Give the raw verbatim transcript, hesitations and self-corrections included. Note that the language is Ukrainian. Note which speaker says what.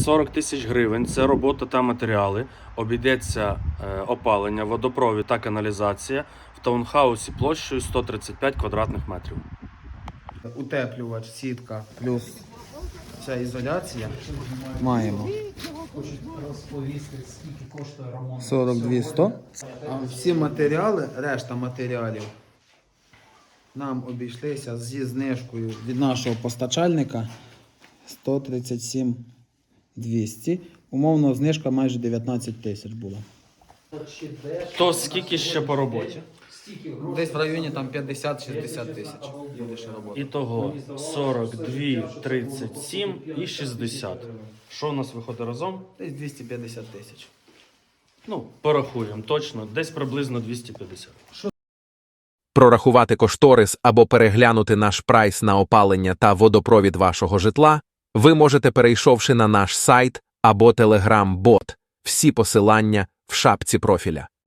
Speaker 1: сорок тисяч гривень. Це робота та матеріали. Обійдеться е, опалення, водопровід та каналізація в таунхаусі площею сто тридцять п'ять квадратних метрів.
Speaker 2: Утеплювач, сітка, плюс вся ізоляція. Маємо сорок дві сто. А всі матеріали, решта матеріалів нам обійшлися зі знижкою від нашого постачальника сто тридцять сім двісті. Умовно знижка майже дев'ятнадцять тисяч була.
Speaker 1: То скільки ще по роботі?
Speaker 2: Десь в районі там п'ятдесят-шістдесят тисяч буде ще роботи.
Speaker 1: Ітого сорок два, тридцять сім і шістдесят. Що у нас виходить разом?
Speaker 2: Десь двісті п'ятдесят тисяч.
Speaker 1: Ну, порахуємо точно, десь приблизно двісті п'ятдесят.
Speaker 3: Прорахувати кошторис або переглянути наш прайс на опалення та водопровід вашого житла ви можете, перейшовши на наш сайт або телеграм-бот. Всі посилання в шапці профіля.